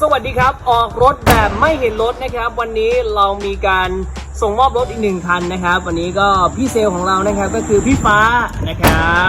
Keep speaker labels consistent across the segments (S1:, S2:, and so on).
S1: วัสดีครับออกรถแบบไม่เห็นรถนะครับวันนี้เรามีการส่งมอบรถอีก1คันนะครับวันนี้ก็พี่เซลของเรานะครับก็คือพี่ฟ้านะครับ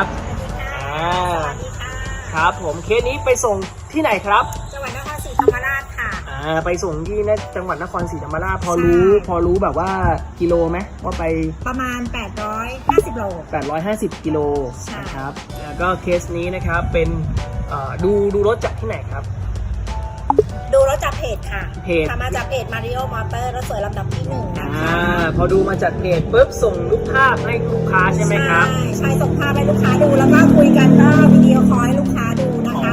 S1: ครับผมเคสนี้ไปส่งที่ไหนครับ
S2: จังหวัดนครศรีธรรมราชค่ะ
S1: ไปส่งที่จังหวัดนครศรีธรรมราชพอรู้แบบว่ากิโลไหมว่าไป
S2: ประมาณ850 โล
S1: 850 กิโลนะครับแล้วก็เคสนี้นะครับเป็นดูรถจากที่ไหนครับ
S2: ดูรถจากเพจค่ะ
S1: เพจ
S2: มาจากเพจ Mario Motor รถสวยลำดับที่1นะคะ
S1: พอดูมาจากเพจปุ๊บส่งรูปภาพให้ลูกค้าใช่ไหมครับ
S2: ใช่ส่งภาพให้ลูกค้าดูแล้วก็คุยกันก็วิดีโอคอลให้ลูกค้าดูนะคะ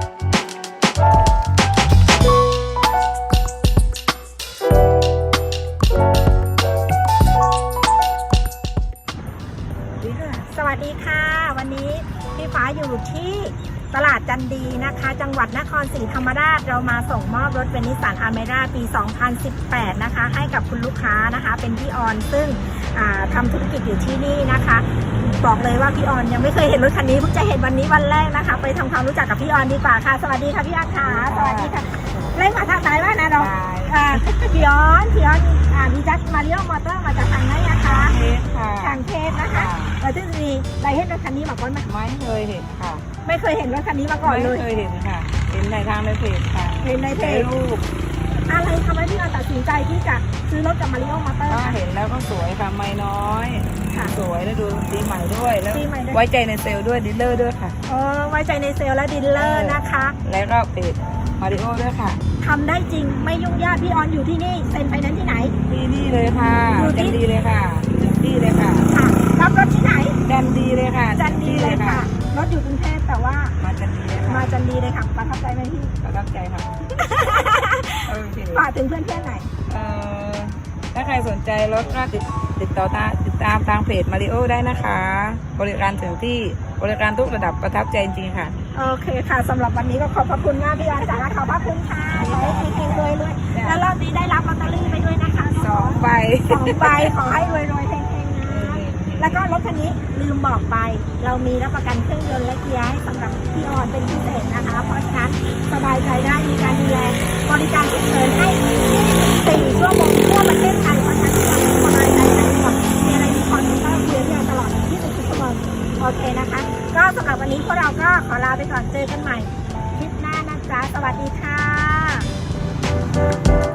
S2: สวัสดีค่ะวันนี้พี่ฟ้าอยู่ที่ตลาดจันดีนะคะจังหวัดนครศรีธรรมราชเรามาส่งมอบรถเป็นนิสสันอเมร่าปี 2018 นะคะให้กับคุณลูกค้านะคะเป็นพี่ออนซึ่งทำธุรกิจอยู่ที่นี่นะคะบอกเลยว่าพี่ออนยังไม่เคยเห็นรถคันนี้เพิ่งจะเห็นวันนี้วันแรกนะคะไปทำความรู้จักกับพี่ออนดีกว่าค่ะสวัสดีค่ะพี่ออนค่ะสวัสดีค่ะเล่นมาทางไหนบ้างนะเราพี่ออนมีจักมาเรียกมอเตอร์มาจากทางไหนนะคะทางเทพนะคะเราจะมีได้เห็นรถคันนี้มาก่อนไหม
S3: ไม่เคยเห็นค่ะ
S2: ไม่เคยเห็นรถคันนี้มาก่อนเลย
S3: ไม่เคยเห็นค่ะเห็นในทางในเพจค่ะ
S2: เห็นในเพจ
S3: รูป
S2: อะไรทำให้พี่ออนตัดสินใจที่จะซื้อรถจากมาริโอมอเตอร์
S3: เห็นแล้วก็สวยค่ะไม่น้อยสวยแล้วดูสีใหม่ด้วยแล้วไว้ใจในเซลล์ด้วยดีลเลอร์ด้วยค่ะ
S2: ไว้ใจในเซลล์และดีลเลอร์นะคะ
S3: แล้วก็เพจมาริโอด้วยค่ะ
S2: ทำได้จริงไม่ยุ่งยากพี่ออนอยู่ที่นี่เซ็นไฟแนนซ์ที่ไหน
S3: ที่นี่เลยค่ะจันดีเลยค่ะที่เลยค่ะ
S2: รับรถที่ไหน
S3: จันดีเลยค่ะ
S2: จันดีเลยค่ะรถอยู่กรุงเทพแต่ว่า
S3: มาจันดีเลย
S2: มาจันดีเลยค่ะประทับใจไหมพี่
S3: ประทับใจค่ะ
S2: ฝากถึงเพื่อนๆหน่อย
S3: ถ้าใครสนใจรถก็ติดตามทางเพจมาริโอได้นะคะบริการถึงที่บริการทุกระดับประทับใจจริงๆค่ะ
S2: โอเคค่ะสำหรับวันนี้ก็ขอบพระคุณมากพี่ออนจ๋าขอบพระคุณค่ะขอให้เฮงๆรวยๆแล้วรอบนี้ได้รับลอตเตอรี่ไปด้วยนะคะ
S3: 2 ใบ
S2: ขอให้รวยๆเฮงๆนะแล้วก็รถคันนี้ลืมบอกไปเรามีรับประกันเครื่องยนต์และเกียร์ให้สำหรับพี่ออนเป็นพิเศษนะคะเพราะฉะนั้นสบายใจได้มีการดูแลบริการฉุกเฉินให้4 ชั่วโมงทั่วประเทศไทยเพราะฉะนั้นสบายใจได้หมดมีอะไรมีคอนเทนต์ก็คุยกันตลอด24 ชั่วโมงโอเคนะคะก็สำหรับวันนี้พวกเราก็ขอลาไปก่อนเจอกันใหม่คลิปหน้านะจ๊ะสวัสดีค่ะ